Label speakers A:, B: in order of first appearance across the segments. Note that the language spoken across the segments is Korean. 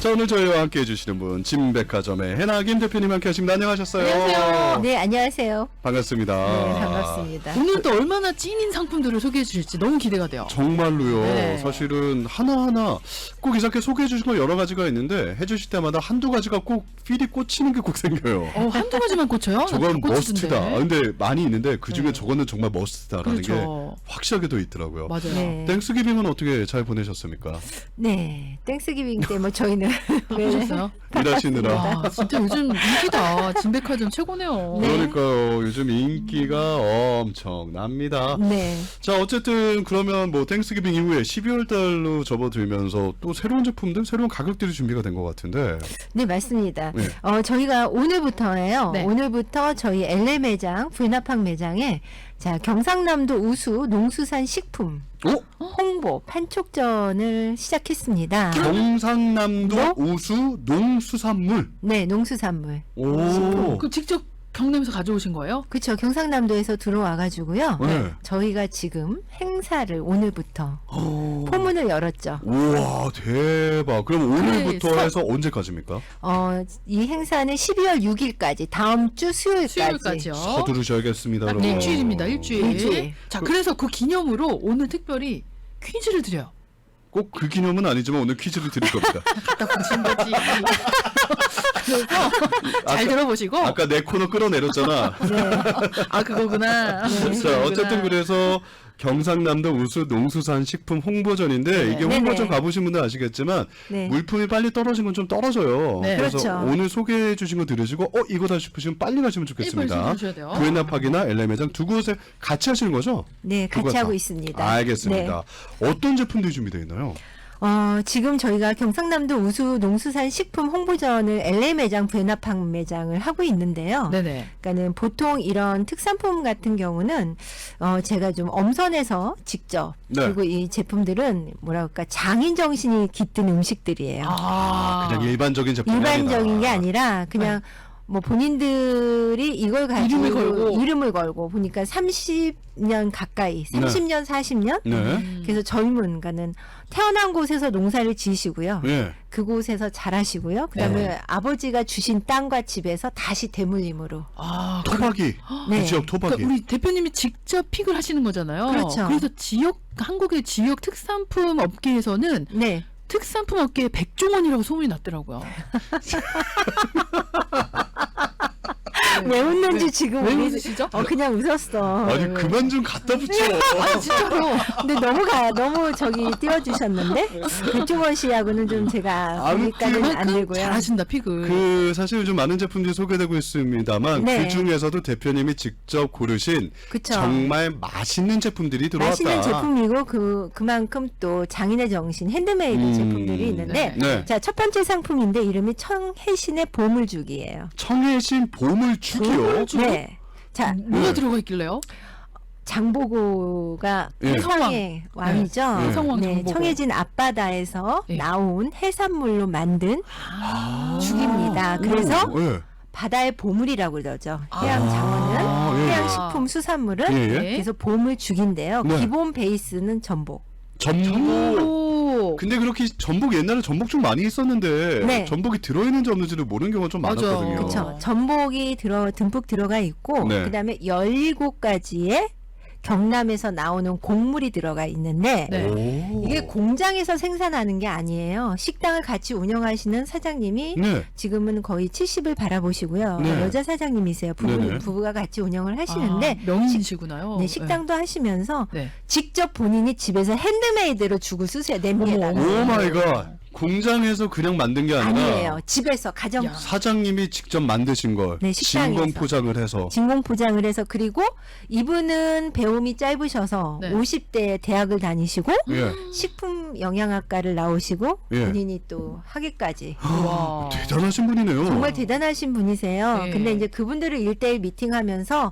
A: 자, 오늘 저희와 함께 해주시는 분 진백화점의 해나 김 대표님 함께 하십니다. 안녕하셨어요.
B: 안녕하세요.
C: 네, 안녕하세요.
A: 반갑습니다.
C: 네, 반갑습니다.
B: 오늘 또 얼마나 찐인 상품들을 소개해 주실지 너무 기대가 돼요.
A: 정말로요.
B: 네.
A: 사실은 하나하나 꼭 이렇게 소개해 주신 거 여러 가지가 있는데 해주실 때마다 한두 가지가 꼭 필이 꽂히는 게 꼭 생겨요.
B: 한두 가지만 꽂혀요?
A: 저건
B: 꽂히던데.
A: 머스트다. 근데 많이 있는데 그 중에
B: 네.
A: 저거는 정말 머스트다라는 게
B: 그렇죠.
A: 확실하게 더 있더라고요.
B: 맞아요.
C: 네.
A: 땡스기빙은 어떻게 잘 보내셨습니까?
C: 네, 땡스기빙 때 뭐 저희는
B: 보셨어요?
A: 일하시느라.
B: 와, 진짜 요즘 인기다. 진백화점 최고네요.
C: 네.
A: 그러니까요. 요즘 인기가 엄청납니다.
C: 네.
A: 자, 어쨌든 그러면 뭐 땡스기빙 이후에 12월 달로 접어들면서 또 새로운 제품들, 새로운 가격들이 준비가 된 것 같은데.
C: 네, 맞습니다.
A: 네.
C: 저희가 오늘부터예요.
B: 네.
C: 오늘부터 저희 LA 매장, 불나팡 매장에 자, 경상남도 우수 농수산 식품 홍보 판촉전을 시작했습니다.
A: 경상남도 우수 농수산물.
C: 네, 농수산물.
A: 오.
B: 그 직접 경남에서 가져오신 거예요?
C: 그렇죠. 경상남도에서 들어와 가지고요.
A: 네.
C: 저희가 지금 행사를 오늘부터 포문을 열었죠.
A: 우와, 대박. 그럼 오늘부터
B: 네,
A: 해서 언제까지입니까?
C: 이 행사는 12월 6일까지 다음 주 수요일까지.
B: 수요일까지요.
A: 서두르셔야겠습니다.
B: 딱
A: 여러분.
B: 일주일입니다. 일주일.
C: 일주일.
B: 자, 그래서 그 기념으로 오늘 특별히 퀴즈를 드려요.
A: 꼭 그 기념은 아니지만 오늘 퀴즈를 드릴 겁니다.
B: 갖다 보신 거지. 그래서 잘 들어보시고.
A: 아까 내 코너 끌어내렸잖아.
B: 아, 그거구나.
A: 자, 어쨌든 그래서 경상남도 우수 농수산 식품 홍보전인데
B: 네.
A: 이게
C: 네네.
A: 홍보전 가보신 분들 아시겠지만
C: 네.
A: 물품이 빨리 떨어진 건 좀 떨어져요.
B: 네.
A: 그래서
C: 그렇죠.
A: 오늘 소개해 주신 거 들으시고 이거다 싶으시면 빨리 가시면 좋겠습니다.
B: 주셔야 돼요.
A: 구애나팍이나 LA 매장 두 곳에 같이 하시는 거죠?
C: 네,
A: 두
C: 같이
A: 곳
C: 하고
A: 다.
C: 있습니다.
A: 알겠습니다. 어떤 제품들이 준비되어 있나요?
C: 지금 저희가 경상남도 우수 농수산 식품 홍보전을 LA 매장, 불나팡 매장을 하고 있는데요.
B: 네네.
C: 그러니까는 보통 이런 특산품 같은 경우는 제가 좀 엄선해서 직접
A: 네.
C: 그리고 이 제품들은 뭐랄까 장인 정신이 깃든 음식들이에요.
A: 그냥 일반적인 제품이
C: 일반적인 게
A: 아니다.
C: 아니라 그냥 뭐 본인들이 이걸 가지고 이름을 걸고 보니까 30년 가까이 30년 40년
A: 네.
C: 그래서 젊은 그러니까는 태어난 곳에서 농사를 지으시고요.
A: 네.
C: 그곳에서 자라시고요. 그다음에 아버지가 주신 땅과 집에서 다시 대물림으로.
A: 토박이.
C: 네.
A: 그 지역 토박이.
B: 그러니까 우리 대표님이 직접 픽을 하시는 거잖아요.
C: 그렇죠.
B: 그래서 한국의 지역 특산품 업계에서는
C: 네.
B: 특산품 업계의 백종원이라고 소문이 났더라고요.
C: 왜 웃는지 지금
B: 왜
C: 우리
B: 웃으시죠?
C: 그냥 웃었어.
A: 아니 그만 좀 갖다 붙여.
B: 아, 진짜로.
C: 근데 너무 저기 띄워주셨는데 백종원 씨하고는 좀 제가 거기까지는 안 되고요.
B: 잘하신다 픽을.
A: 그 사실 요즘 많은 제품들이 소개되고 있습니다만
C: 네.
A: 그 중에서도 대표님이 직접 고르신
C: 그쵸.
A: 정말 맛있는 제품들이 들어왔다.
C: 맛있는 제품이고 그만큼 또 장인의 정신 핸드메이드 제품들이 있는데
A: 네.
C: 자, 첫 번째 상품인데 이름이 청해신의 보물죽이에요.
A: 청해신 보물죽이요.
C: 네. 자,
B: 뭐가 들어가 있길래요?
C: 장보고가
A: 예.
C: 해성의 왕이죠.
A: 네.
B: 해성왕
C: 네,
B: 장보고.
C: 청해진 앞바다에서
B: 예.
C: 나온 해산물로 만든 죽입니다. 그래서
A: 예.
C: 바다의 보물이라고 그러죠. 해양 장어는
A: 예.
C: 해양식품 수산물은
A: 예, 예.
C: 그래서 보물죽인데요.
A: 네.
C: 기본 베이스는 전복.
A: 전복.
B: 오.
A: 근데 그렇게 전복 옛날에 전복 좀 많이 있었는데
C: 네.
A: 전복이 들어있는지 없는지를 모르는 경우가 좀
B: 맞아.
A: 많았거든요.
C: 그렇죠. 전복이 듬뿍 들어가 있고
A: 네.
C: 그다음에 17가지의 경남에서 나오는 곡물이 들어가 있는데
B: 네.
A: 오.
C: 이게 공장에서 생산하는 게 아니에요. 식당을 같이 운영하시는 사장님이
A: 네.
C: 지금은 거의 70을 바라보시고요.
A: 네.
C: 여자 사장님이세요.
A: 네네.
C: 부부가 같이 운영을 하시는데
B: 명인이시구나요.
C: 네, 식당도 하시면서
B: 네.
C: 직접 본인이 집에서 핸드메이드로 죽을 쓰세요. 냄비에다가.
B: 어머,
A: 오 마이 갓. 공장에서 그냥 만든 게 아니라
C: 아니에요. 집에서 가정
B: 야.
A: 사장님이 직접 만드신 걸
C: 네, 식당에서.
A: 진공 포장을 해서
C: 진공 포장을 해서 그리고 이분은 배움이 짧으셔서
B: 네.
C: 50대 대학을 다니시고
A: 예.
C: 식품 영양학과를 나오시고
A: 예.
C: 본인이 또 학위까지
B: 와.
A: 대단하신 분이네요.
C: 정말 대단하신 분이세요.
B: 네.
C: 근데 이제 그분들을 1대1 미팅하면서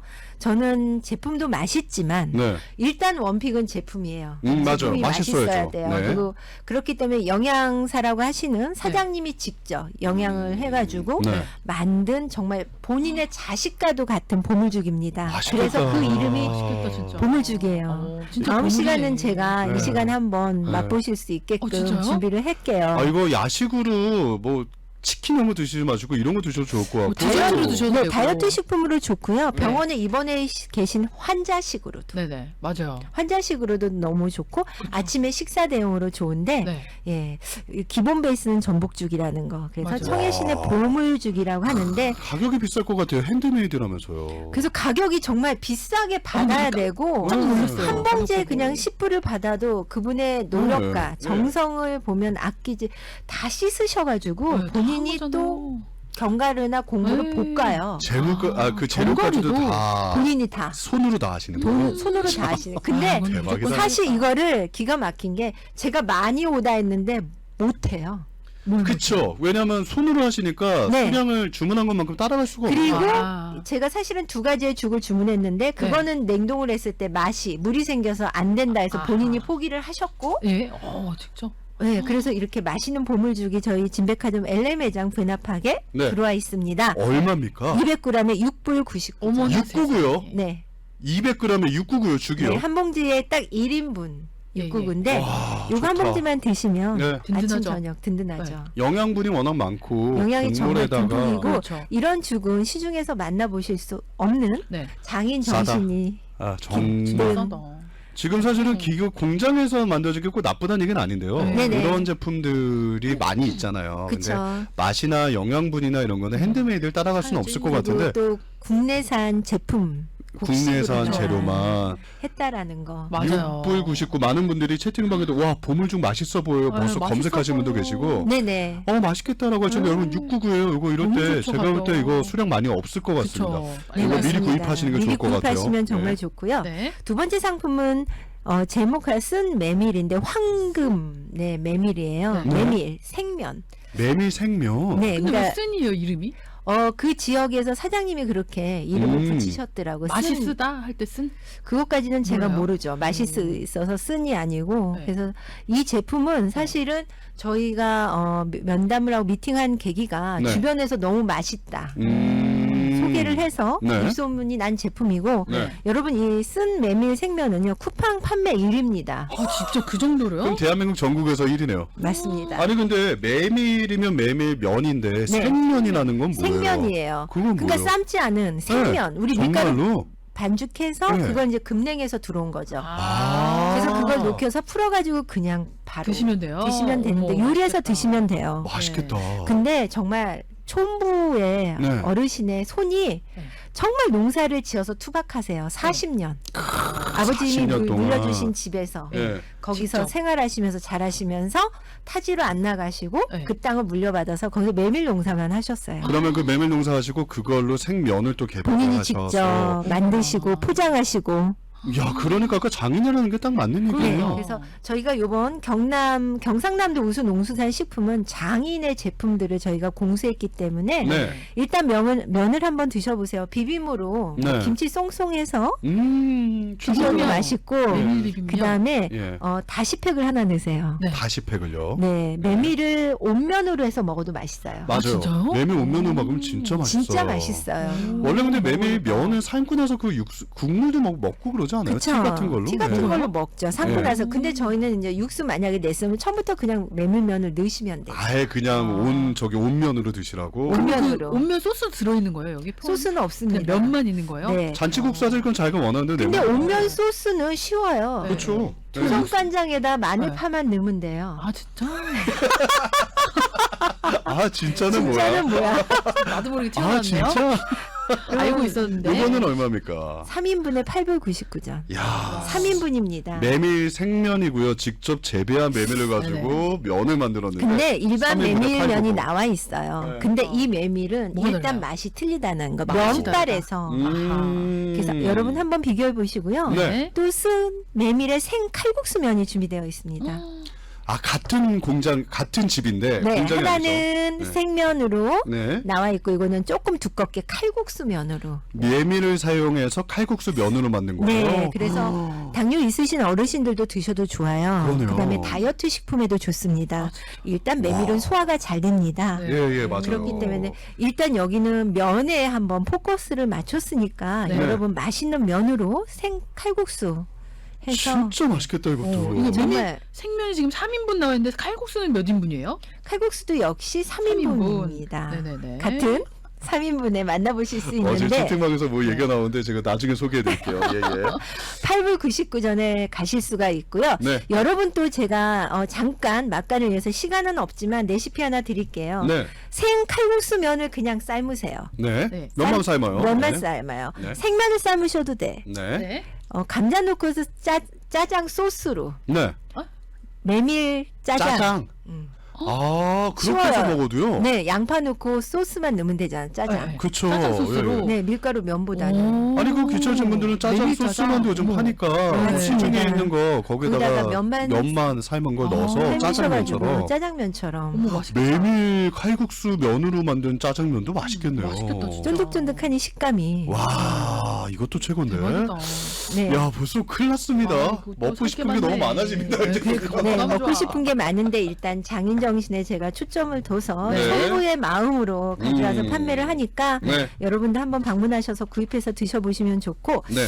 C: 저는 제품도 맛있지만
A: 네.
C: 일단 원픽은 제품이에요.
A: 맞아요.
C: 제품이
A: 맛있어야죠.
C: 맛있어야 돼요.
A: 네.
C: 그리고 그렇기 때문에 영양사라고 하시는 사장님이 직접 영양을 해가지고
A: 네.
C: 만든 정말 본인의 자식과도 같은 보물죽입니다.
A: 맛있겠다.
C: 그래서 그 이름이
B: 맛있겠다 진짜.
C: 보물죽이에요.
B: 진짜
C: 다음
B: 보물이네.
C: 시간은 제가
A: 네.
C: 이 시간에 한번
A: 네.
C: 맛보실 수 있게끔
B: 진짜요?
C: 준비를 할게요.
A: 아 이거 야식으로 뭐 치킨 이런 거 드시지 마시고 이런 거 드셔도 좋을 것 같고.
B: 다이어트로 드셔도
C: 네,
B: 되고.
C: 다이어트 식품으로 좋고요.
B: 네.
C: 병원에 입원해 계신 환자식으로도.
B: 네네 맞아요.
C: 환자식으로도 너무 좋고 아침에 식사 대용으로 좋은데
B: 네.
C: 예 기본 베이스는 전복죽이라는 거 그래서
B: 맞아요.
C: 청해신의 보물죽이라고 하는데
A: 가격이 비쌀 것 같아요. 핸드메이드라면서요.
C: 그래서 가격이 정말 비싸게 받아야 되고
A: 깜짝
B: 놀랐어요.
C: 한 봉지에 그냥 10불을 받아도 그분의 노력과
A: 네.
C: 정성을 보면 아끼지 다 씻으셔가지고
B: 네, 다
C: 본인이
B: 한
C: 또
B: 거잖아요.
C: 견과류나 공구를
B: 네.
C: 볶아요.
A: 그 재료까지도
B: 견과류도
A: 다
C: 본인이 다
A: 손으로 다 하시는
C: 돈,
A: 거예요.
C: 손으로 다 하시네. 근데
B: 그건
A: 대박이다.
B: 무조건
C: 사실 이거를 기가 막힌 게 제가 많이 오다 했는데 못해요.
A: 그쵸. 왜냐면 손으로 하시니까
C: 네.
A: 수량을 주문한 것만큼 따라갈 수가
C: 그리고
A: 없어요.
B: 아.
C: 제가 사실은 두 가지의 죽을 주문했는데 그거는 냉동을 했을 때 맛이 물이 생겨서 안 된다 해서
B: 아하.
C: 본인이 포기를 하셨고
B: 예, 직접.
C: 네, 그래서 이렇게 맛있는 보물죽이 저희 진백화점 LA 매장 분합하게
A: 네.
C: 들어와 있습니다.
A: 얼마입니까?
C: 200g에 6불 99.
B: 어머나
A: 699요?
C: 네.
A: 200g에 699요, 죽이요.
C: 네, 한 봉지에 딱 1인분
B: 예,
C: 699인데
A: 와,
C: 요거 한
A: 좋다.
C: 봉지만 드시면
A: 네.
C: 아침
B: 든든하죠.
C: 저녁 든든하죠.
A: 영양분이 워낙 많고
C: 영양이 정말
A: 국물에다가
C: 듬뿍이고
B: 그렇죠.
C: 이런 죽은 시중에서 만나보실 수 없는
B: 네.
C: 장인
A: 싸다.
C: 정신이
A: 정말
B: 싸다.
A: 지금 사실은 기계 공장에서 만들어지기 꼭 나쁘다는 얘기는 아닌데요.
B: 네네.
A: 이런 제품들이 많이 있잖아요. 근데
C: 그쵸.
A: 맛이나 영양분이나 이런 거는 핸드메이드를 따라갈 수는 없을 것
C: 그리고
A: 같은데
C: 또 국내산 제품
A: 국내산
C: 곡식으로
A: 재료만
C: 했다라는 거.
B: 맞아요.
A: 6불 99 많은 분들이 채팅방에도 와 보물죽 맛있어 보여요.
B: 네,
A: 벌써 검색하시는 분도
B: 맛있어
A: 계시고
C: 네네.
A: 맛있겠다라고 하시는데 여러분 699예요. 이거 이럴
B: 너무
A: 때
B: 좋죠,
A: 제가 볼 때
B: 가격.
A: 이거 수량 많이 없을 것 같습니다.
B: 그쵸.
C: 네,
A: 이거 미리
C: 맞습니다.
A: 구입하시는 게
C: 미리
A: 좋을 것 같아요.
C: 구입하시면 정말
A: 네.
C: 좋고요.
B: 네.
C: 두 번째 상품은 제목하 쓴 메밀인데 황금 네 메밀이에요.
B: 네.
C: 메밀 생면.
A: 메밀 생면.
C: 네,
B: 근데 왜
C: 그러니까
B: 쓴이에요 이름이?
C: 그 지역에서 사장님이 그렇게 이름을 붙이셨더라고요.
B: 맛이
C: 쓴.
B: 쓰다 할 때 쓴?
C: 그것까지는 제가
B: 몰라요?
C: 모르죠. 맛이 있어서 쓴이 아니고.
B: 네.
C: 그래서 이 제품은 사실은 저희가 면담을 하고 미팅한 계기가
A: 네.
C: 주변에서 너무 맛있다. 소개를 해서
A: 네.
C: 입소문이 난 제품이고
A: 네.
C: 여러분 이 쓴 메밀 생면은요 쿠팡 판매 1위입니다.
B: 아 진짜 그 정도로요?
A: 그럼 대한민국 전국에서 1위네요.
C: 맞습니다.
A: 아니 근데 메밀이면 메밀면인데 생면이라는 건 뭐예요?
C: 생면이에요.
A: 그건
C: 그러니까
A: 뭐예요?
C: 삶지 않은 생면. 우리 밀가루
A: 정말로?
C: 반죽해서
A: 네.
C: 그걸 이제 금냉에서 들어온 거죠.
A: 아.
C: 그래서 그걸 녹여서 풀어가지고 그냥 바로
B: 드시면 돼요.
C: 드시면 되는데
B: 어머,
C: 요리해서
B: 맛있겠다.
C: 드시면 돼요.
A: 맛있겠다.
C: 근데 정말 촌부의
A: 네.
C: 어르신의 손이
B: 네.
C: 정말 농사를 지어서 투박하세요. 40년. 아버님이
A: 40년 동안.
C: 물려주신 집에서
A: 예.
C: 거기서
B: 직접.
C: 생활하시면서 자라시면서 타지로 안 나가시고
B: 네.
C: 그 땅을 물려받아서 거기서 메밀 농사만 하셨어요.
A: 그러면 그 메밀 농사하시고 그걸로 생면을 또
C: 본인이
A: 개발하셔서
C: 직접 만드시고 포장하시고
A: 야 그러니까 아까 장인이라는 게 딱 맞는
C: 네,
A: 얘기예요.
C: 그래서 저희가 요번 경상남도 우수 농수산 식품은 장인의 제품들을 저희가 공수했기 때문에
A: 네.
C: 일단 면을 한번 드셔보세요. 비빔으로
A: 네.
C: 김치 송송해서 드셔도
B: 비빔면.
C: 맛있고
B: 메밀 비빔면.
C: 그 다음에
A: 예.
C: 다시팩을 하나 넣으세요.
B: 네.
A: 다시팩을요.
C: 네, 메밀을 온면으로 해서 먹어도 맛있어요.
A: 맞아요.
B: 진짜요?
A: 메밀 온면으로 먹으면 진짜 맛있어.
C: 진짜 맛있어요.
A: 원래 근데
B: 음,
A: 메밀
B: 먹어볼까?
A: 면을 삶고 나서 그 육수 국물도 먹고 그러지 않아요? 티 같은 걸로.
C: 티 같은
A: 네.
C: 걸로 먹죠. 삶고
A: 네.
C: 나서. 근데 저희는 이제 육수 만약에 냈으면 처음부터 그냥 메밀면을 넣으시면 돼요.
A: 아예 그냥 온면으로 드시라고.
C: 온면으로.
B: 그 온면 소스 들어있는 거예요 여기?
C: 소스는
B: 그냥
C: 없습니다.
B: 면만 있는 거예요?
C: 네.
A: 잔치국수 하실 건 자기가 원하는데
C: 근데
A: 내면-
C: 온면 소스는 쉬워요.
B: 네.
A: 그렇죠. 네.
C: 조선간장에다 마늘
B: 네.
C: 파만 넣으면 돼요.
B: 아 진짜?
A: 아 진짜는 뭐야?
C: 진짜는 뭐야?
B: 나도 모르게
A: 아
B: 튀어나왔네요.
A: 진짜?
B: 알고 있었는데.
A: 이거는 얼마입니까?
C: 3인분에 8불 99전.
A: 야
C: 3인분입니다.
A: 메밀 생면이고요. 직접 재배한 메밀을 가지고 면을 만들었는데.
C: 근데 일반
A: 3인분에
C: 메밀면이
A: 8불.
C: 나와 있어요.
A: 네.
C: 근데 이 메밀은
B: 뭐가
C: 일단
B: 달라요?
C: 맛이 틀리다는 거.
B: 맛이
C: 면발에서. 그래서 여러분 한번 비교해 보시고요.
A: 네.
C: 또 쓴 메밀의 생 칼국수 면이 준비되어 있습니다.
A: 아, 같은 공장, 같은 집인데
C: 네,
A: 공장이
C: 하나는
A: 아니죠. 네.
C: 생면으로
A: 네.
C: 나와 있고 이거는 조금 두껍게 칼국수 면으로.
A: 메밀을 사용해서 칼국수 면으로 만든 거예요.
C: 네, 그래서 당뇨 있으신 어르신들도 드셔도 좋아요.
A: 그러네요.
C: 그다음에 다이어트 식품에도 좋습니다. 일단 메밀은 소화가 잘 됩니다.
B: 네.
A: 예, 맞아요.
C: 그렇기 때문에 일단 여기는 면에 한번 포커스를 맞췄으니까
B: 네.
C: 여러분 맛있는 면으로 생 칼국수 해서
A: 진짜 맛있겠다 이것도.
B: 이거
C: 정말
B: 생면이 지금 3인분 나와 있는데 칼국수는 몇 인분이에요?
C: 칼국수도 역시 3인분입니다.
B: 네네네.
C: 같은 3인분에 만나보실 수
A: 어제
C: 있는데
A: 채팅방에서 뭐 얘기가 나오는데 제가 나중에 소개해드릴게요. 예, 예.
C: 8불 99전에 가실 수가 있고요.
A: 네.
C: 여러분 또 제가 잠깐 맛간을 위해서 시간은 없지만 레시피 하나 드릴게요.
A: 네.
C: 생 칼국수 면을 그냥 삶으세요.
A: 네.
B: 네.
A: 면만 삶아요.
C: 면만
A: 네.
C: 삶아요.
A: 네.
C: 생면을 삶으셔도 돼.
A: 네.
B: 네.
C: 감자 넣고서 짜장 소스로
A: 네.
C: 메밀 짜장.
A: 짜장.
C: 음.
A: 아, 그렇게 해서
C: 쉬워요.
A: 먹어도요?
C: 네, 양파 넣고 소스만 넣으면 되잖아. 짜장.
B: 네.
A: 그쵸.
B: 짜장 소스로?
A: 예, 예.
C: 네, 밀가루 면보다는.
B: 오.
A: 아니 그 귀찮으신 분들은 짜장
B: 메밀
A: 소스만도 요즘
B: 어머.
A: 파니까
C: 맞습니다.
A: 시중에 있는 거 거기다가
C: 거기다가 면만
A: 삶은 걸
B: 아,
A: 넣어서
C: 삶으셔가지고
A: 짜장면처럼
C: 짜장면처럼.
B: 어머 맛있겠다.
A: 메밀 칼국수 면으로 만든 짜장면도 맛있겠네요.
B: 맛있겠다, 진짜.
C: 쫀득쫀득하니 식감이.
A: 와, 이것도 최고인데.
B: 대박이다.
C: 네.
A: 야, 벌써 큰일 났습니다.
B: 아, 이거 또
A: 먹고 싶은 게
B: 살게
A: 너무
B: 많네.
A: 많아집니다.
B: 네,
A: 이제.
B: 그러니까.
C: 네,
B: 너무
C: 먹고
B: 좋아.
C: 싶은 게 많은데 일단 장인 정신에 제가 초점을 둬서
A: 네.
C: 성부의 마음으로 가져와서 판매를 하니까
A: 네.
C: 여러분도 한번 방문하셔서 구입해서 드셔보시면 좋고
A: 네.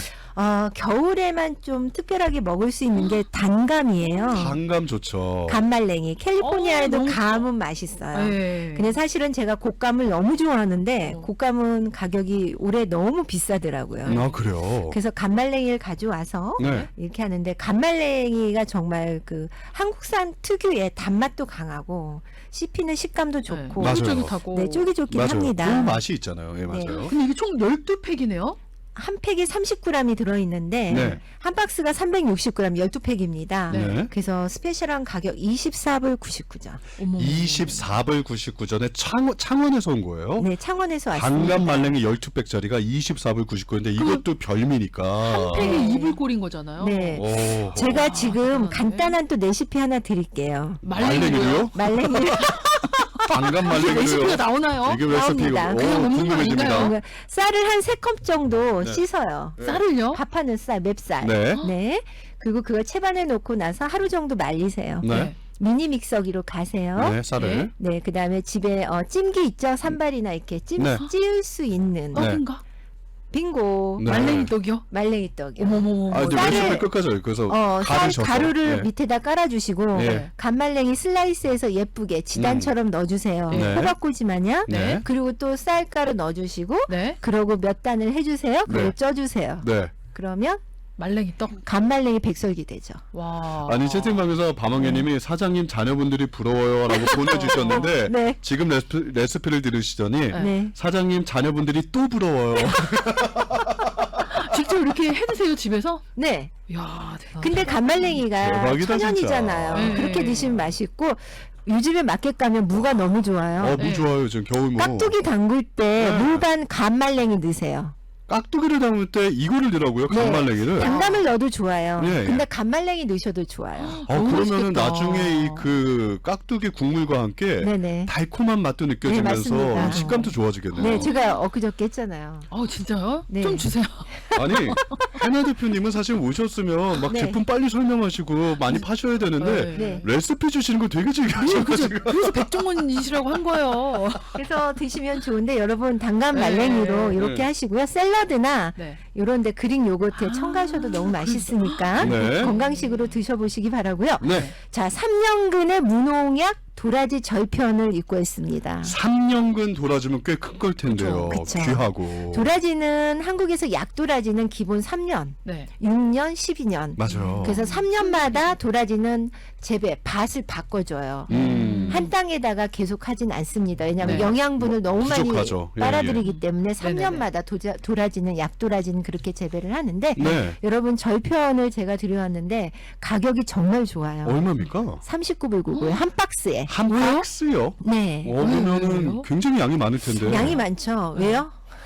C: 겨울에만 좀 특별하게 먹을 수 있는 게 단감이에요.
A: 단감 좋죠.
C: 감말랭이. 캘리포니아에도
B: 너무
C: 감은 맛있어요.
B: 네.
C: 근데 사실은 제가 곶감을 너무 좋아하는데
B: 어.
C: 곶감은 가격이 올해 너무 비싸더라고요.
A: 아, 그래요.
C: 그래서 감말랭이를 가져와서
A: 네.
C: 이렇게 하는데 감말랭이가 정말 그 한국산 특유의 단맛도 강하고 씹히는 식감도 좋고
A: 맞아요.
B: 쫄깃쫄깃하고.
C: 네, 쫄깃쫄깃
A: 맞아요.
C: 합니다.
A: 그 맛이 있잖아요. 예, 맞아요.
B: 근데 이게 총 12팩이네요?
C: 한 팩이 30g이 들어있는데
A: 네.
C: 한 박스가 360g 12팩입니다.
A: 네.
C: 그래서 스페셜한 가격 24불 99전.
B: 어머.
A: 24불 99전에 창원에서 온 거예요.
C: 네, 창원에서 왔습니다.
A: 단감 말랭이 12팩짜리가 24불 99인데 이것도 별미니까.
B: 한 팩에 2불 꼴인 거잖아요.
C: 네.
A: 오.
C: 제가 지금
B: 대단하네.
C: 간단한 또 레시피 하나 드릴게요.
A: 말랭이요?
C: 말랭이
A: 단감
B: 이게 레시피가
A: 말랭이요.
B: 나오나요?
A: 이게 레시피가
C: 나옵니다.
B: 그냥 먹는 거
A: 궁금해집니다.
B: 아닌가요?
C: 쌀을 한 3컵 정도
A: 네.
C: 씻어요.
B: 쌀을요?
C: 밥하는 쌀, 맵쌀.
A: 네.
C: 네. 그리고 그걸 채반에 놓고 나서 하루 정도 말리세요.
A: 네.
C: 미니 믹서기로 가세요.
A: 네, 쌀을.
C: 네, 그다음에 집에 찜기 있죠? 산발이나 이렇게
A: 네.
C: 찌울 수 있는
A: 네.
B: 떡인가?
C: 빙고
A: 네.
B: 말랭이 떡이요?
C: 말랭이 떡이요.
B: 어머머머.
A: 아, 이제
C: 쌀을-
A: 레시피 끝까지 그래서
C: 쌀
A: 가르셔서.
C: 가루를
A: 네.
C: 밑에다 깔아주시고
A: 네.
C: 간말랭이 슬라이스해서 예쁘게 지단처럼 넣어주세요.
A: 네.
C: 호박꼬지 마냥.
A: 네.
C: 그리고 또 쌀가루 넣어주시고
B: 네.
C: 그러고 몇 단을 해주세요. 그리고
A: 네.
C: 쪄주세요.
A: 네.
C: 그러면
B: 말랭이 떡.
C: 간말랭이 백설기 되죠.
B: 와.
A: 아니 채팅방에서 밤왕개님이 사장님 자녀분들이 부러워요라고 보내주셨는데
C: 네.
A: 지금 레시피를 들으시더니
B: 네.
C: 네.
A: 사장님 자녀분들이 또 부러워요.
B: 직접 이렇게 해드세요 집에서?
C: 네.
B: 이야 대단.
C: 근데 간말랭이가
A: 대박이다,
C: 천연이잖아요.
B: 진짜. 네.
C: 그렇게 드시면 맛있고 요즘에 마켓 가면 무가 너무 좋아요.
A: 무
B: 네.
A: 좋아요 지금 겨울무.
C: 깍두기 담글 때
A: 네.
C: 무반 간말랭이 넣으세요.
A: 깍두기를 담을 때 이거를 넣으라고요?
C: 네.
A: 간말랭이를.
C: 단감을 넣어도 좋아요.
A: 예, 예.
C: 근데 간말랭이 넣으셔도 좋아요.
B: 너무
A: 그러면은
B: 맛있겠다.
A: 나중에 이 그 깍두기 국물과 함께
C: 네네.
A: 달콤한 맛도 느껴지면서
C: 맞습니다.
A: 식감도 좋아지겠네요.
C: 네, 제가 엊그저께 했잖아요.
B: 진짜요?
C: 네.
B: 좀 주세요.
A: 아니 해나 대표님은 사실 오셨으면 막
C: 네.
A: 제품 빨리 설명하시고 많이 파셔야 되는데
C: 네.
A: 레시피 주시는 거 되게 즐겨하셔가지고.
B: 그래서 백종원이시라고 한 거예요.
C: 그래서 드시면 좋은데 여러분 단감
B: 네.
C: 말랭이로 이렇게
A: 네.
C: 하시고요. 샐러드나
B: 네.
C: 요런데 그릭 요거트에 첨가하셔도 너무 맛있으니까
A: 네.
C: 건강식으로 드셔보시기 바라고요.
A: 네.
C: 자, 3년근의 무농약 도라지 절편을 입고 있습니다.
A: 3년근 도라지면 꽤 큰 걸 텐데요.
C: 그쵸.
A: 귀하고.
C: 도라지는 한국에서 약도라지는 기본 3년,
B: 네.
C: 6년, 12년.
A: 맞아요.
C: 그래서 3년마다 도라지는 재배, 밭을 바꿔줘요. 한 땅에다가 계속 하진 않습니다. 왜냐하면
B: 네.
C: 영양분을 너무 많이
A: 부족하죠. 예,
C: 빨아들이기 때문에
B: 네네네.
C: 3년마다 도라지는 약도라지는 그렇게 재배를 하는데
A: 네.
C: 여러분 절편을 제가 드려왔는데 가격이 정말 좋아요.
A: 얼마입니까?
C: 39불 99에 한 박스에.
A: 한 박스요?
C: 네.
A: 그러면은
B: 왜요?
A: 굉장히 양이 많을 텐데.
C: 양이 많죠. 왜요?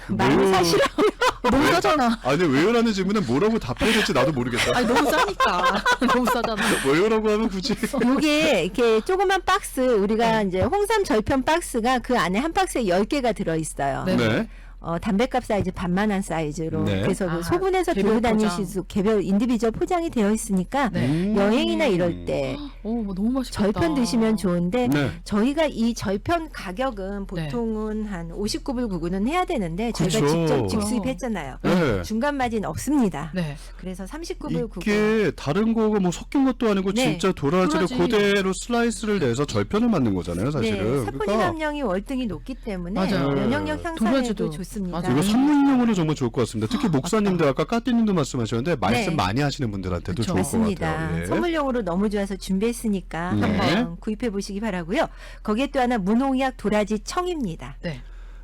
C: 많이 사시라.
B: 너무 싸잖아.
A: 아니 왜요라는 질문은 뭐라고 답해야 될지 나도 모르겠다.
B: 아니 너무 싸니까. 너무 싸잖아.
A: 왜요라고 하면 굳이
C: 요게 이렇게 조그만 박스 우리가 이제 홍삼 절편 박스가 그 안에 한 박스에 10개가 들어 있어요.
B: 네.
A: 네.
C: 담배값 사이즈 반만한 사이즈로
A: 네.
C: 그래서 그
B: 아,
C: 소분해서
B: 개별
C: 들고 다니실 수 개별 인디비주얼 포장이 되어 있으니까
B: 네.
C: 여행이나 이럴 때
B: 오, 너무 맛있겠다.
C: 절편 드시면 좋은데
A: 네.
C: 저희가 이 절편 가격은 보통은 한 59불 99는 해야 되는데 저희가
A: 그렇죠.
C: 직접 직수입했잖아요.
A: 네.
C: 중간 마진 없습니다.
B: 네.
C: 그래서 39불 99.
A: 이게 다른 거가 뭐 섞인 것도 아니고
C: 네.
A: 진짜 도라지를
B: 도라지.
A: 그대로 슬라이스를 내서 절편을 만든 거잖아요, 사실은.
C: 네, 사포닌 함량이 월등히 높기 때문에
B: 맞아요.
C: 면역력 향상에도
B: 도라지도.
C: 좋습니다.
B: 맞아요.
A: 이거 선물용으로 정말 좋을 것 같습니다. 특히 목사님들 아까 까띠님도 말씀하셨는데 말씀
C: 네.
A: 많이 하시는 분들한테도
B: 그쵸.
A: 좋을 것
C: 맞습니다.
A: 같아요. 예.
C: 선물용으로 너무 좋아서 준비했으니까
A: 네.
C: 한번 구입해 보시기 바라고요. 거기에 또 하나 무농약 도라지 청입니다.
B: 네.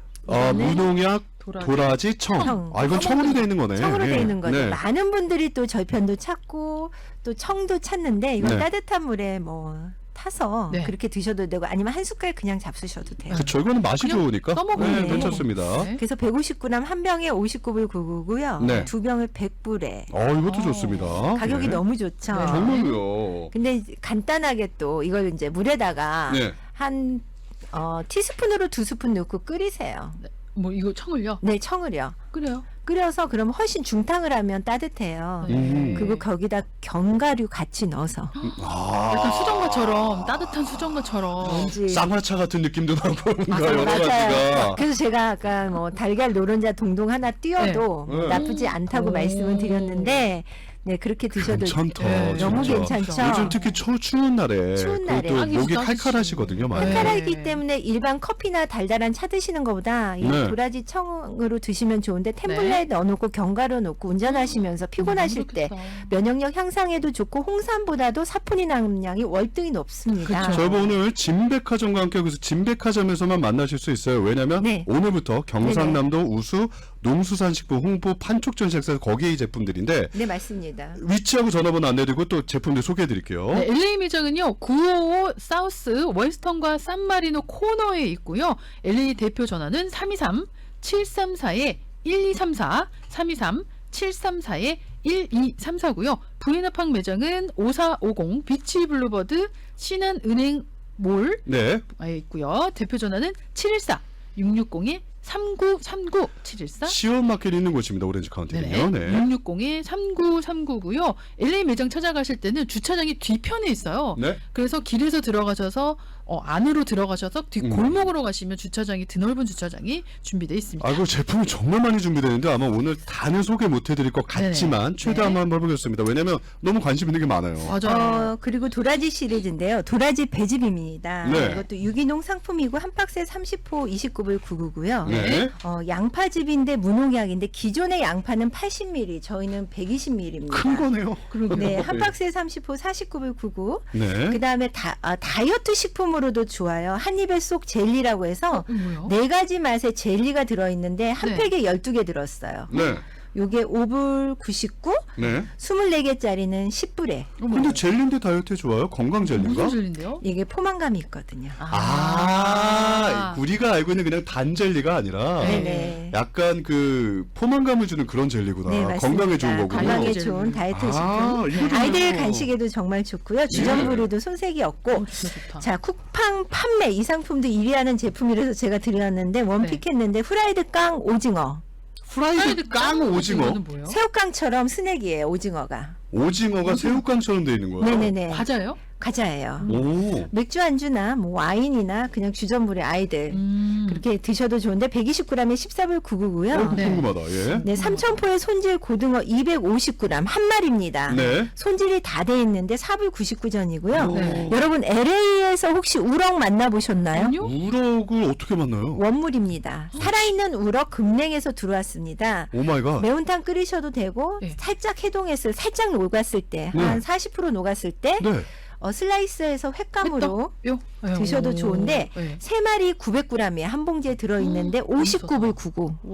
A: 무농약
B: 도라지.
A: 도라지 청.
C: 청.
A: 아 이건 청으로 돼 있는 거네.
C: 청으로
A: 예.
C: 되어 있는 거죠.
A: 네.
C: 많은 분들이 또 절편도 찾고 또 청도 찾는데 이건
A: 네.
C: 따뜻한 물에 뭐 타서
B: 네.
C: 그렇게 드셔도 되고 아니면 한 숟갈 그냥 잡수셔도 돼요.
A: 그쵸, 이거는 맛이
B: 그냥
A: 좋으니까.
B: 떠먹으면
A: 네,
C: 돼요.
A: 괜찮습니다.
B: 네.
C: 그래서 150g 한 병에 59불 99고요.
A: 네.
C: 두 병을 100불에
A: 이것도
B: 어.
A: 좋습니다.
C: 가격이
A: 네.
C: 너무 좋죠.
B: 네.
A: 정말로요.
C: 근데 간단하게 또 이걸 이제 물에다가
A: 네.
C: 한 티스푼으로 2스푼 넣고 끓이세요.
B: 뭐 이거 청을요?
C: 네, 청을요.
B: 그래요.
C: 끓여서 그럼 훨씬 중탕을 하면 따뜻해요.
A: 음.
C: 그리고 거기다 견과류 같이 넣어서
B: 약간 수정과처럼 따뜻한 수정과처럼.
C: 뭔지
A: 쌍화차 같은 느낌도 나고 뭔가
B: 맞아요.
A: 여러
C: 맞아요.
A: 가지가.
C: 그래서 제가 아까 뭐 달걀 노른자 동동 하나 띄어도
A: 네.
C: 나쁘지 않다고
B: 오.
C: 말씀을 드렸는데 네 그렇게 드셔도
A: 괜찮다.
B: 네,
C: 너무
A: 진짜.
C: 괜찮죠.
A: 요즘 특히 추운 날에
C: 추운 날에.
A: 그것도
B: 하기
A: 목이
B: 따뜻하시죠.
A: 칼칼하시거든요. 많이.
B: 네.
C: 칼칼하기 때문에 일반 커피나 달달한 차 드시는 것보다 이
A: 네.
C: 도라지 청으로 드시면 좋은데 템블러에 넣어놓고 견과류 넣고 운전하시면서 피곤하실 때
B: 그렇겠다.
C: 면역력 향상에도 좋고 홍삼보다도 사포닌 함량이 월등히 높습니다.
B: 그쵸.
A: 저희가 오늘 진백화점과 함께 여기서 진백화점에서만 만나실 수 있어요. 왜냐하면
C: 네.
A: 오늘부터 경상남도 우수 농수산식품 홍보 판촉전시에서 거기에 이 제품들인데
C: 네 맞습니다.
A: 위치하고 전화번호 안내드리고 또 제품들 소개해드릴게요.
B: 네, LA 매장은요 955 사우스 웨스턴과 산마리노 코너에 있고요. LA 대표 전화는 323-734-1234 323-734-1234고요. 부인합항 매장은 5450 비치 블루버드 신한은행 몰에
A: 네.
B: 있고요. 대표 전화는 714-660에 3939 714
A: 시원마켓 있는 곳입니다. 오렌지 카운티는요. 네.
B: 660에 3939고요. LA 매장 찾아가실 때는 주차장이 뒤편에 있어요.
A: 네.
B: 그래서 길에서 들어가셔서 안으로 들어가셔서 뒤 골목으로 가시면 주차장이 드넓은 주차장이 준비되어 있습니다.
A: 아, 그 제품이 정말 많이 준비되는데 아마 오늘 다는 소개 못 해드릴 것 같지만
B: 네네.
A: 최대한
B: 네.
A: 한번 해보겠습니다. 왜냐면 너무 관심 있는 게 많아요.
B: 맞아요.
C: 그리고 도라지 시리즈인데요. 도라지 배즙입니다.
A: 네.
C: 이것도 유기농 상품이고 한 박스에 30호 29불 99고요.
A: 네.
C: 양파즙인데 무농약인데 기존의 양파는 80ml, 저희는 120ml입니다.
A: 큰 거네요.
C: 네, 한 박스에 30호 49불 99.
A: 네.
C: 그다음에 다이어트 식품으로도 좋아요. 한 입에 쏙 젤리라고 해서
B: 뭐요?
C: 네 가지 맛의 젤리가 들어 있는데 한
B: 네.
C: 팩에 12개 들었어요.
A: 네.
C: 요게 5불 99,
A: 네.
C: 24개짜리는 10불에.
A: 근데 젤리인데 다이어트에 좋아요? 건강 젤리인가?
B: 무슨 젤리인데요?
C: 이게 포만감이 있거든요.
A: 우리가 알고 있는 그냥 단 젤리가 아니라
C: 네네.
A: 약간 그 포만감을 주는 그런 젤리구나.
C: 네, 맞습니다.
A: 건강에 좋은 거군요.
C: 건강에
B: 젤리.
C: 좋은 다이어트 식품.
A: 이거
C: 아이들
A: 좋네요.
C: 간식에도 정말 좋고요. 주전부리도 손색이 없고.
B: 좋다.
C: 자, 쿠팡 판매 이 상품도 1위 하는 제품이라서 제가 드렸는데 원픽했는데 후라이드 깡 오징어.
A: 프라이드 깡 오징어.
B: 이거는 뭐예요?
C: 새우깡처럼 스낵이에요, 오징어가.
A: 오징어가 새우깡처럼 돼 있는 거예요.
C: 네네네.
B: 과자예요?
C: 과자예요.
A: 오.
C: 맥주 안주나 뭐 와인이나 그냥 주전부리 아이들 그렇게 드셔도 좋은데 120g에 14불 99고요.
B: 네.
A: 궁금하다. 예.
C: 네, 삼천포의 손질 고등어 250g 한 마리입니다.
A: 네.
C: 손질이 다 돼 있는데 4불 99전이고요.
B: 네.
C: 여러분 LA에서 혹시 우럭 만나보셨나요?
B: 아니요?
A: 우럭을 어떻게 만나요?
C: 원물입니다. 살아있는 우럭 금냉에서 들어왔습니다.
A: 오 마이 갓.
C: 매운탕 끓이셔도 되고
B: 네.
C: 살짝 해동했을 살짝 녹았을 때 한 40% 녹았을 때
A: 네.
C: 슬라이스해서 횟감으로
B: 요?
C: 드셔도 좋은데
B: 네.
C: 3마리 900g에 한 봉지에 들어있는데 59불 99.
B: 와.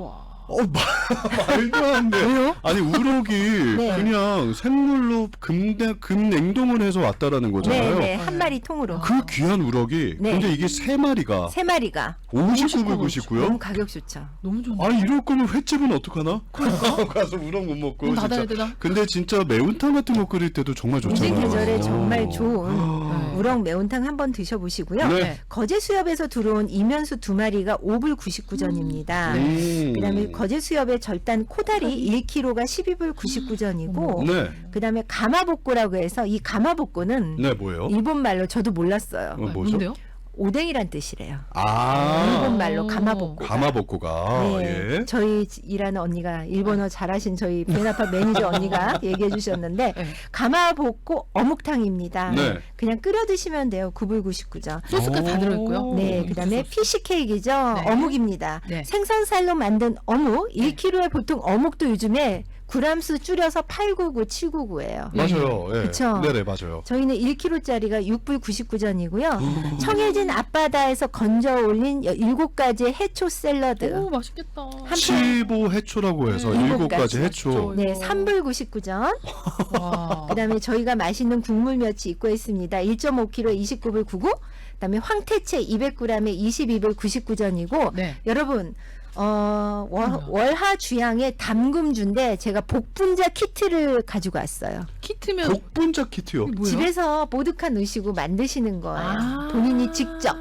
A: 말도 안 돼.
B: 왜요?
A: 아니 우럭이
C: 네.
A: 그냥 생물로 급냉동을 해서 왔다라는 거잖아요.
C: 네, 한 마리 통으로.
A: 그 귀한 우럭이
C: 네.
A: 근데 이게 세 마리가
C: 3마리가
A: 59불
C: 너무
A: 99요?
C: 가격 좋죠.
B: 너무 좋네.
A: 아니 이럴 거면 횟집은 어떡하나? 가서 우럭 못 먹고
B: 문 닫아야
A: 진짜.
B: 되나?
A: 근데 진짜 매운탕 같은 거 끓일 때도 정말
C: 이
A: 좋잖아요.
C: 계절에 정말
A: 어.
C: 좋은
B: 네.
C: 우럭 매운탕 한번 드셔보시고요.
A: 네.
C: 거제 수협에서 들어온 이면수 2마리가 5불 99전입니다. 그다음에 거제 수협의 절단 코다리 1kg가 12불 99전이고
A: 네.
C: 그다음에 가마복고라고 해서 이 가마복고는
A: 네, 뭐예요?
C: 일본 말로 저도 몰랐어요.
A: 뭐죠?
B: 뭔데요?
C: 오뎅이란 뜻이래요.
A: 아.
C: 일본 말로 가마복고.
A: 가마복고가
C: 네,
A: 예.
C: 저희 일하는 언니가 일본어 잘하신 저희 베나파 매니저 언니가 얘기해 주셨는데
B: 네.
C: 가마복고 어묵탕입니다.
A: 네.
C: 그냥 끓여 드시면 돼요. 9불 99전.
B: 소스가 다 들어있고요.
C: 네, 그다음에 피시 케이크죠.
B: 네.
C: 어묵입니다.
B: 네.
C: 생선살로 만든 어묵 1kg에 보통 어묵도 요즘에 그람수 줄여서 899, 799예요.
A: 맞아요. 예.
C: 그쵸?
A: 네네, 맞아요.
C: 저희는 1kg짜리가 6불 99전이고요. 청해진 앞바다에서 건져 올린 7가지 해초 샐러드.
B: 오 맛있겠다.
C: 한
A: 칠보 해초라고 해서
C: 네.
A: 7가지 해초.
B: 맛있죠.
C: 네, 3불 99전.
B: 와.
C: 그다음에 저희가 맛있는 국물 멸치 입고 있습니다. 1.5kg에 29불 99. 그다음에 황태채 200g에 22불 99전이고
B: 네.
C: 여러분 월하 주양의 담금주인데 제가 복분자 키트를 가지고 왔어요.
B: 키트면
A: 복분자 키트요.
B: 이게 뭐예요?
C: 집에서 보드카 넣으시고 만드시는 거예요.
B: 아.
C: 본인이 직접.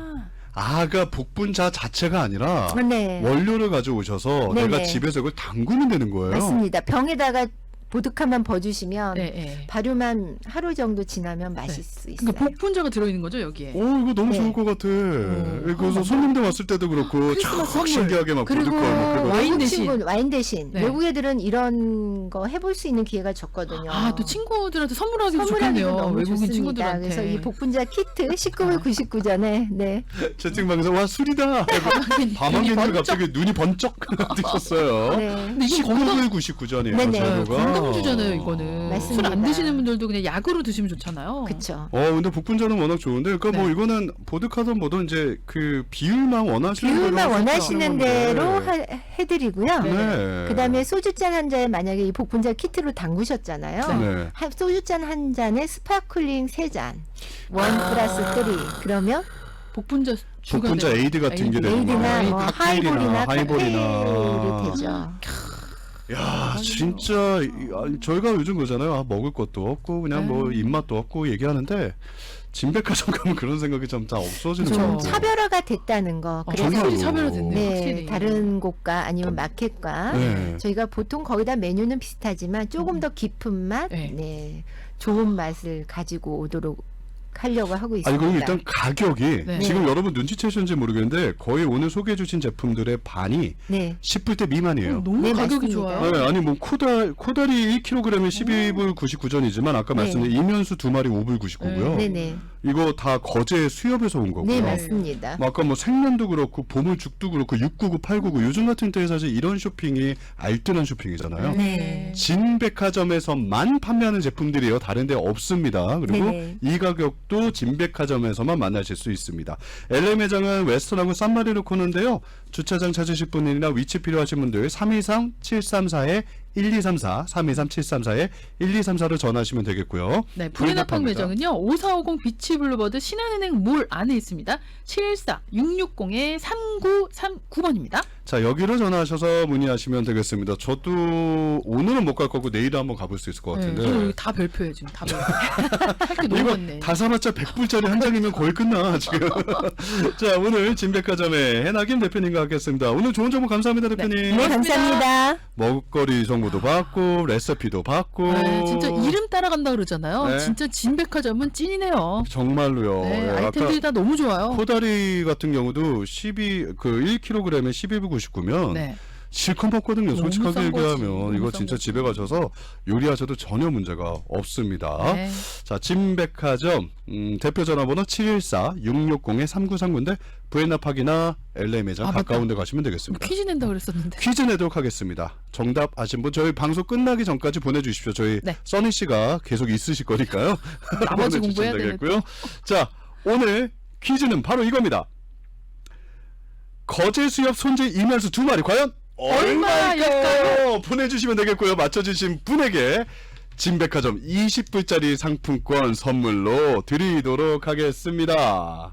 A: 아가 복분자 자체가 아니라
C: 네.
A: 원료를 가져오셔서
C: 네네.
A: 내가 집에서 이걸 담그면 되는 거예요.
C: 맞습니다. 병에다가 보드카만 버주시면
B: 네, 네.
C: 발효만 하루 정도 지나면 마실 수 있어요.
B: 그러니까 복분자가 들어있는 거죠 여기에.
A: 오 이거 너무
C: 네.
A: 좋을 것 같아. 그래서 손님들 왔을 때도 그렇고
B: 크리스마스
A: 촥
B: 선물.
A: 신기하게 막
C: 그리고
A: 보드카 막 그거.
B: 와인
C: 외국
B: 대신.
C: 친구 와인 대신
B: 네.
C: 외국 애들은 이런 거 해볼 수 있는 기회가 적거든요.
B: 아 또 친구들한테 선물하기도
C: 선물하기도
B: 좋겠네요.
C: 너무
B: 외국인
C: 좋습니다.
B: 친구들한테.
C: 그래서 이 복분자 키트 19불 99전에 네.
A: 채팅방에서 와 술이다. 밤한개인데 갑자기 눈이 번쩍 뜨셨어요.
C: 네.
B: 근데 이게 건강
A: 19불 99전이에요.
C: 네네.
A: 재료가.
B: 건강주잖아요 이거는.
C: 맞습니다.
B: 술 안 드시는 분들도 그냥 약으로 드시면 좋잖아요.
C: 그렇죠.
A: 근데 복분자는 워낙 좋은데, 그러니까 뭐
B: 네.
A: 이거는 보드카든 뭐든 이제 그 비율만 원하시는 대로
C: 비율만 원하시는
A: 하시는
C: 대로
A: 건데.
C: 해드리고요.
A: 네.
C: 그다음에 소주잔 한 잔에 만약에 이 복분자 키트로 담그셨잖아요.
A: 네.
C: 소주잔 한 잔에 스파클링 3잔. 1 플러스 3. 그러면
B: 복분자 주가
A: 복분자
B: 돼요.
A: 에이드 같은 게
B: 에이드.
A: 되는
C: 에이드나
A: 거예요.
C: 뭐
A: 칵테일이나
C: 하이볼이나 칵테일이 되죠.
A: 야, 진짜 저희가 요즘 그러잖아요. 먹을 것도 없고 그냥 뭐 입맛도 없고 얘기하는데 진백화점 가면 그런 생각이 좀 다 없어지는
B: 그렇죠.
A: 거예요.
C: 좀 차별화가 됐다는 거. 그래서
A: 정말로.
B: 확실히 차별화됐네.
C: 네,
B: 확실히.
C: 다른 곳과 아니면 마켓과
A: 네.
C: 저희가 보통 거의 다 메뉴는 비슷하지만 조금 더 깊은 맛,
B: 네.
C: 네, 좋은 맛을 가지고 오도록 하려고 하고
A: 아니
C: 있습니다.
A: 그럼 일단 가격이
B: 네.
A: 지금 여러분 눈치채셨는지 모르겠는데 거의 오늘 소개해주신 제품들의 반이
C: 네,
A: 10불대 미만이에요.
B: 너무
C: 네,
B: 가격이
C: 맞습니다.
B: 좋아요.
A: 네, 아니 뭐 코다리 1kg에 12불 99전이지만 아까
C: 네.
A: 말씀드린 이면수 2마리 5불 99고요.
C: 네, 네,
A: 이거 다 거제 수협에서 온 거고요.
C: 네, 맞습니다.
A: 뭐 아까 뭐 생면도 그렇고 보물죽도 그렇고 699, 899 요즘 같은 때에 사실 이런 쇼핑이 알뜰한 쇼핑이잖아요.
C: 네.
A: 진백화점에서만 판매하는 제품들이요. 다른 데 없습니다. 그리고
C: 네네.
A: 이 가격도 진백화점에서만 만나실 수 있습니다. LA 매장은 웨스턴하고 산마리노 코너인데요. 주차장 찾으실 분이나 위치 필요하신 분들 323-734에 1234, 323-734에 1234로 전화하시면 되겠고요.
B: 네, 브레나팡 매장은요. 5450 비치 블루버드 신한은행 몰 안에 있습니다. 714-660-3939번입니다.
A: 자, 여기로 전화하셔서 문의하시면 되겠습니다. 저도 오늘은 못 갈 거고 내일은 한번 가볼 수 있을 것 같은데.
B: 저는 여기 다 별표예요 지금 다 별표. 할게 너무
A: 이거
B: 많네.
A: 다 사봤자 100불짜리 한 장이면 거의 끝나 지금. 자, 오늘 진백화점의 해나김 대표님과 함께했습니다. 오늘 좋은 정보 감사합니다, 대표님.
C: 네, 감사합니다.
A: 먹거리 정보도 받고 레시피도 받고.
B: 네, 진짜 이름 따라간다 그러잖아요.
A: 네.
B: 진짜 진백화점은 찐이네요.
A: 정말로요.
B: 네,
A: 예,
B: 아이템들이 다 너무 좋아요.
A: 코다리 같은 경우도 1kg에 12불 99면
B: 네.
A: 실컷 먹거든요.
B: 너무
A: 솔직하게
B: 싼 거지.
A: 얘기하면
B: 너무
A: 이거
B: 싼
A: 진짜
B: 거지.
A: 집에 가셔서 요리하셔도 전혀 문제가 없습니다.
B: 네.
A: 자, 진백화점 대표 전화번호 714-660-3939인데 부에나팍이나 LA 매장
B: 아, 맞다.
A: 가까운 데 가시면 되겠습니다.
B: 퀴즈 낸다 그랬었는데.
A: 퀴즈 내도록 하겠습니다. 정답 아신 분 저희 방송 끝나기 전까지 보내주십시오. 저희
B: 네.
A: 써니 씨가 계속 있으실 거니까요.
B: 나머지
A: 보내주시면
B: 공부해야
A: 되겠고요. 자, 오늘 퀴즈는 바로 이겁니다. 거제 수협 손질 이면수 2마리 과연 얼마일까요? 보내주시면 되겠고요. 맞춰주신 분에게 진백화점 20불짜리 상품권 선물로 드리도록 하겠습니다.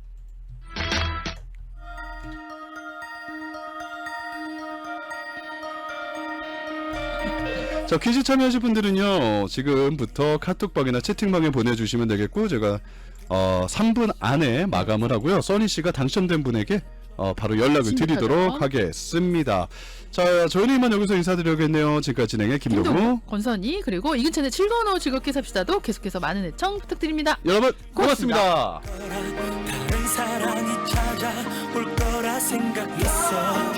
A: 자, 퀴즈 참여하실 분들은요, 지금부터 카톡방이나 채팅방에 보내주시면 되겠고, 제가 3분 안에 마감을 하고요. 써니 씨가 당첨된 분에게 바로 연락을 드리도록 하겠습니다. 자, 저희는 이만 여기서 인사드려야겠네요. 지금까지 진행의 김동우,
B: 권선희, 그리고 이근찬의 즐거운 오후 즐겁게 삽시다도 계속해서 많은 애청 부탁드립니다.
A: 여러분 고맙습니다.
D: 다른 사랑이 찾아올 거라 생각했어.